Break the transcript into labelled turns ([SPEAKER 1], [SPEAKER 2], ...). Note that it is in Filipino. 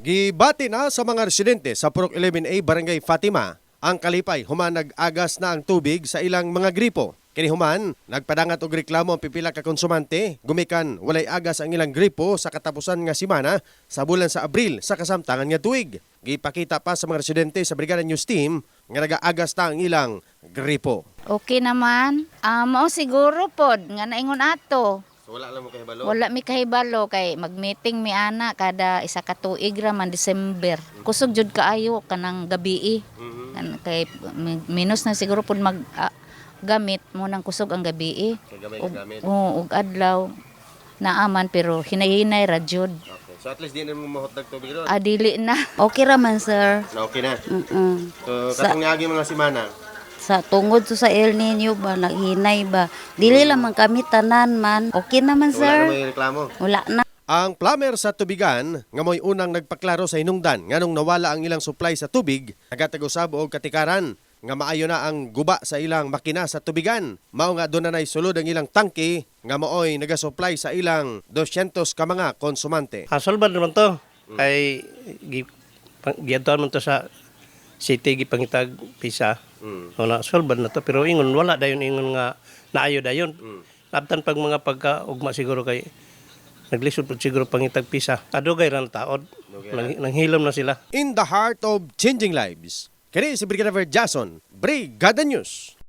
[SPEAKER 1] Gibati na sa mga residente sa Purok 11A Barangay Fatima ang kalipay human nag-agas na ang tubig sa ilang mga gripo. Kini human nagpadangat og reklamo ang pipila ka konsumante gumikan walay agas ang ilang gripo sa katapusan nga semana sa bulan sa Abril sa kasamtangan nga tuig. Gipakita pa sa mga residente sa Brigada News Team nga nag-aagas na ang ilang gripo.
[SPEAKER 2] Okay naman. Mao siguro pod nga naingon ato.
[SPEAKER 1] So wala lang mo kahibalo.
[SPEAKER 2] Wala mi kahibalo kay mag-meeting mi ana kada isa ka tuig ra man December. Kusog jud kaayo kanang gabi. Kay minus na siguro pod mag gamit mo nang kusog ang gabi. Og adlaw naaman pero hinay-hinay ra jud.
[SPEAKER 1] Okay. So at least di na mo mahotag tubig ron.
[SPEAKER 2] Dili na. Okay ra man sir.
[SPEAKER 1] Na okay na. So katong niagi mga semana.
[SPEAKER 3] Sa tungod sa El Nino ba, naghinay ba. Dili lang man kami tanan man. Okay naman,
[SPEAKER 1] Wala
[SPEAKER 3] sir.
[SPEAKER 1] na may reklamo.
[SPEAKER 3] Wala na.
[SPEAKER 1] Ang plumber sa tubigan nga mo'y unang nagpaklaro sa hinungdan nganong nawala ang ilang supply sa tubig, nagatag-usab og katikaran nga maayo na ang guba sa ilang makina sa tubigan. Mao nga doon na sulod ang ilang tangke nga maoy nagasupply sa ilang 200 ka mga konsumante.
[SPEAKER 4] Hasolban naman to. Kay giadtuan man to sa city gipangitag pisa. Wala solban na to pero ingon wala dayon ingon nga naayo dayon. Labtan pag mga pagkaugma siguro kay naglisod po siguro pangitag pisa. Adugay ra na taod. Nanghilom na sila.
[SPEAKER 1] In the heart of changing lives, kini si Brigadier Jason, Brigada News.